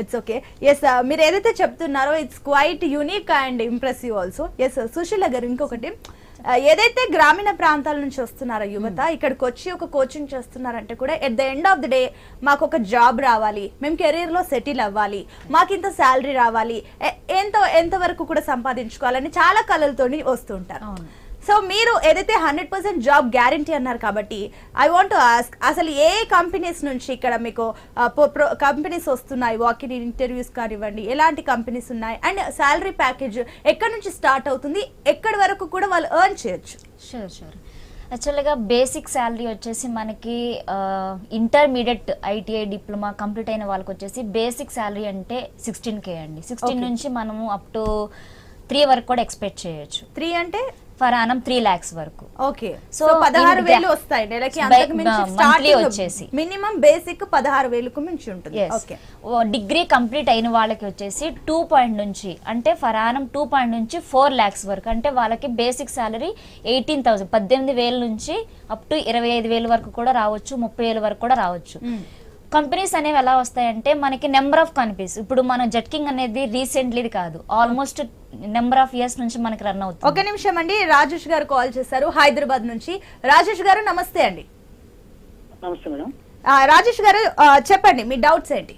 It's okay. Yes, మీరు ఏదైతే చెప్తున్నారో it's quite unique and impressive also. Yes Sushila garu, ఇంకొకటి ఏదైతే గ్రామీణ ప్రాంతాల నుంచి వస్తున్నారో యువత ఇక్కడికి వచ్చి ఒక కోచింగ్ చేస్తున్నారంటే కూడా at the end of the day మాకు ఒక జాబ్ రావాలి, మేము కెరీర్ లో సెటిల్ అవ్వాలి, మాకు ఇంత శాలరీ రావాలి, ఎంత వరకు కూడా సంపాదించుకోవాలని చాలా కళలతోని వస్తుంటారు. సో మీరు ఏదైతే 100% జాబ్ గ్యారంటీ అన్నారు కాబట్టి ఐ వాంట్ టు ఆస్క్, అసలు ఏ కంపెనీస్ నుంచి ఇక్కడ మీకు కంపెనీస్ వస్తున్నాయి, వాకిన్ ఇంటర్వ్యూస్ కానివ్వండి, ఎలాంటి కంపెనీస్ ఉన్నాయి, అండ్ శాలరీ ప్యాకేజ్ ఎక్కడి నుంచి స్టార్ట్ అవుతుంది, ఎక్కడి వరకు కూడా వాళ్ళు ఎర్న్ చేయొచ్చు? షూర్. యాక్చువల్గా బేసిక్ శాలరీ వచ్చేసి మనకి ఇంటర్మీడియట్ ఐటీఐ డిప్లొమా కంప్లీట్ అయిన వాళ్ళకి వచ్చేసి బేసిక్ శాలరీ అంటే 16K అండి. 16 నుంచి మనము అప్ టు 3 వరకు కూడా ఎక్స్పెక్ట్ చేయొచ్చు. 3 అంటే ఫర్ ఆనం 3 lakhs వరకు. ఓకే, సో 16,000 వస్తాయి నెలకి. అంతకు మించి స్టార్టింగ్ వచ్చేసి మినిమం బేసిక్ 16,000 కు మించి ఉంటుంది. ఓకే, డిగ్రీ కంప్లీట్ అయిన వాళ్ళకి వచ్చేసి 2 పాయింట్ నుంచి అంటే ఫర్ ఆనం 2 పాయింట్ నుంచి 4 lakhs వరకు, అంటే వాళ్ళకి బేసిక్ సాలరీ 18,000 18,000 నుంచి అప్ టు 25,000 వరకు కూడా రావచ్చు, 30,000 వరకు కూడా రావచ్చు. కంపెనీస్ అనేవి ఎలా వస్తాయంటే మనకి నెంబర్ ఆఫ్ కంపెనీస్, ఇప్పుడు మన జెట్కింగ్ అనేది రీసెంట్లీ కాదు, ఆల్మోస్ట్ నెంబర్ ఆఫ్ ఇయర్స్ నుంచి మనకి రన్ అవుతుంది. ఒక నిమిషం అండి, రాజేష్ గారు కాల్ చేశారు హైదరాబాద్ నుంచి. రాజేష్ గారు నమస్తే అండి. నమస్తే మేడం. రాజేష్ గారు చెప్పండి మీ డౌట్స్ ఏంటి?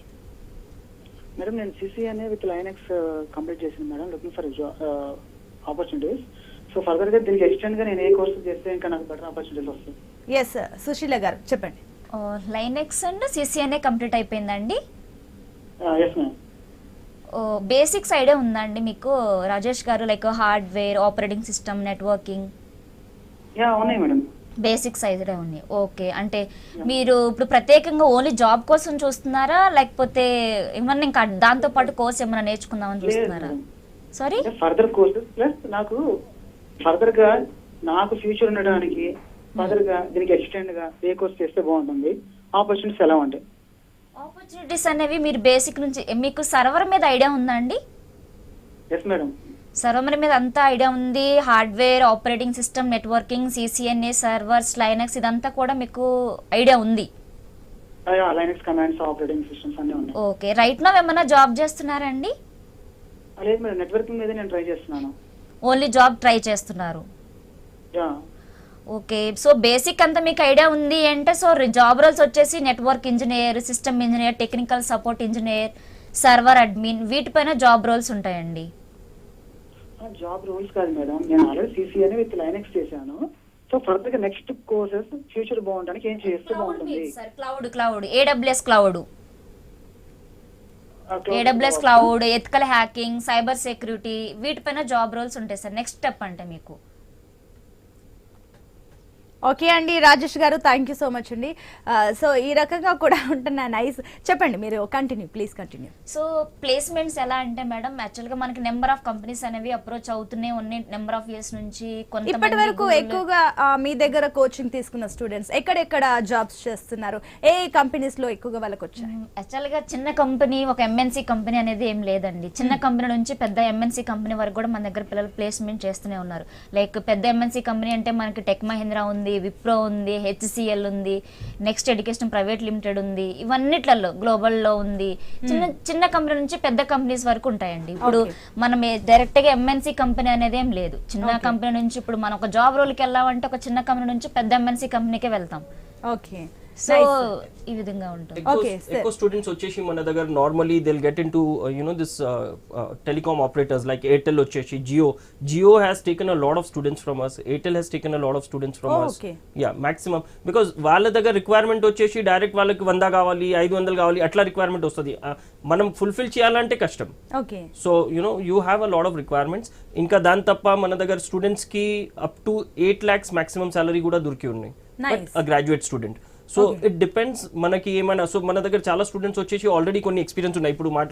మేడం నేను CCNA విత్ లైనెక్స్ కంప్లీట్ చేసింది madam, looking for opportunities. So further గా దీనికి ఎక్స్టెండ్ గా నేను ఏ కోర్స్ చేస్తే ఇంకా నాకు బెటర్ ఆపర్చునిటీస్ వస్తాయి? ఎస్ సుశీల గారు చెప్పండి. లైనెక్స్ అండ్ CCNA కంప్లీట్ అయిపోయిందండి. Yes madam. బేసిక్స్ ఐడియా ఉందండి మీకు Rajesh garu, like hardware, operating system, networking? Yeah ఉన్నాయి మేడం. బేసిక్స్ ఐడియా ఉన్నాయి. ఓకే, అంటే మీరు ఇప్పుడు ప్రత్యేకంగా ఓన్లీ జాబ్ కోసం చూస్తున్నారా, లేకపోతే ఏమన్నా ఇంకా దాంతో పాటు కోర్స్ ఏమైనా నేర్చుకుందామని చూస్తున్నారా? సారీ, ఫర్దర్ కోర్సెస్ ప్లస్ నాకు ఫర్దర్ గా నాకు ఫ్యూచర్ ఉండడానికి ఫర్దర్ గా దీనికి ఎక్స్టెండ్ గా ఏ కోర్స్ చేస్తే బాగుంటుంది, ఆపర్చునిటీస్ ఎలా ఉంటాయి? ఆపర్చునిటీస్ అనేవి మీరు బేసిక్ నుంచి మీకు సర్వర్ మీద ఐడియా ఉందా అండి? Yes madam. సర్వర్ మీద అంతా ఐడియా ఉంది. Hardware, operating system, networking, CCNA, servers, Linux ఇదంతా కూడా మీకు ఐడియా ఉంది? లైనక్స్ కమాండ్స్, ఆపరేటింగ్ సిస్టమ్స్ అన్నీ ఉన్నాయి. ఓకే, రైట్ నౌ ఏమైనా జాబ్ చేస్తున్నారండి? లేదు మేడం, నెట్వర్కింగ్ మీద నేను ట్రై చేస్తున్నాను. ఓన్లీ జాబ్ ట్రై చేస్తున్నారు. యా. ఓకే, సో బేసిక్ అంతా మీకు ఐడియా ఉంది అంటే సో జాబ్ రోల్స్ వచ్చేసి network engineer, system engineer, technical support engineer, server admin, వీటిపైన జాబ్ రోల్స్ ఉంటాయండి. జాబ్ రోల్స్ కాదు మేడం, నేను ఆల్రెడీ CCNA విత్ లైనెక్స్ చేశాను. సో ఫర్దర్ గా నెక్స్ట్ కోర్సెస్ ఫ్యూచర్ బాగుంటానికి ఏం చేస్తే బాగుంటుంది? Cloud, AWS cloud, ethical hacking, cyber security, వీటిపైన జాబ్ రోల్స్ ఉంటాయి సార్. నెక్స్ట్ స్టెప్ అంటే మీకు. ఓకే అండి Rajesh garu, thank you so much అండి. సో ఈ రకంగా కూడా ఉంటున్నా నైస్. చెప్పండి, మీరు continue, please continue. So placements ఎలా అంటే మేడం, యాక్చువల్గా మనకి నెంబర్ ఆఫ్ కంపెనీస్ అనేవి అప్రోచ్ అవుతూనే ఉన్నాయి నెంబర్ ఆఫ్ ఇయర్స్ నుంచి. ఇప్పటి వరకు ఎక్కువగా మీ దగ్గర కోచింగ్ తీసుకున్న స్టూడెంట్స్ ఎక్కడెక్కడ జాబ్స్ చేస్తున్నారు, ఏ కంపెనీస్ లో ఎక్కువగా వాళ్ళకి వచ్చాయి? యాక్చువల్గా చిన్న కంపెనీ, ఒక MNC కంపెనీ అనేది ఏం లేదండి. చిన్న కంపెనీ నుంచి పెద్ద MNC కంపెనీ వరకు కూడా మన దగ్గర పిల్లలు ప్లేస్మెంట్ చేస్తూనే ఉన్నారు. లైక్ పెద్ద MNC కంపెనీ అంటే మనకి టెక్ మహీంద్రా ఉంది, విప్రో ఉంది, HCL ఉంది, నెక్స్ట్ ఎడ్యుకేషన్ ప్రైవేట్ లిమిటెడ్ ఉంది, ఇవన్నిట్లలో గ్లోబల్ లో ఉంది. చిన్న కంపెనీ నుంచి పెద్ద కంపెనీస్ వరకు ఉంటాయండి. ఇప్పుడు మనం డైరెక్ట్ గా MNC కంపెనీ అనేది ఏం లేదు. చిన్న కంపెనీ నుంచి ఇప్పుడు మనం ఒక జాబ్ రోల్కి వెళ్ళామంటే ఒక చిన్న కంపెనీ నుంచి పెద్ద MNC కంపెనీకే వెళ్తాం. ఓకే, సో ఈ విధంగా ఉంటుంది. ఎక్కువ స్టూడెంట్స్ వచ్చేసి మన దగ్గర normally they will get into this telecom operators like Airtel వచ్చేసి Jio has taken a lot of students from us, Airtel has taken a lot of students from us. Yeah, maximum because వాళ్ళ దగ్గర రిక్వైర్మెంట్ వచ్చేసి డైరెక్ట్ వాళ్ళకి 100 కావాలి, 500 కావాలి, అట్లా రిక్వైర్మెంట్ వస్తుంది. మనం ఫుల్ఫిల్ చేయాలంటే కష్టం. Okay, so you have a lot of requirements. ఇంకా దాని తప్ప మన దగ్గర స్టూడెంట్స్ కి up to 8 lakhs maximum salary కూడా దొరికి ఉన్నాయి, graduate student. So it depends మనకి ఏమైనా. సో మన దగ్గర చాలా స్టూడెంట్స్ వచ్చేసి ఆల్రెడీ కొన్ని ఎక్స్పీరియన్స్ ఉన్నాయి. ఇప్పుడు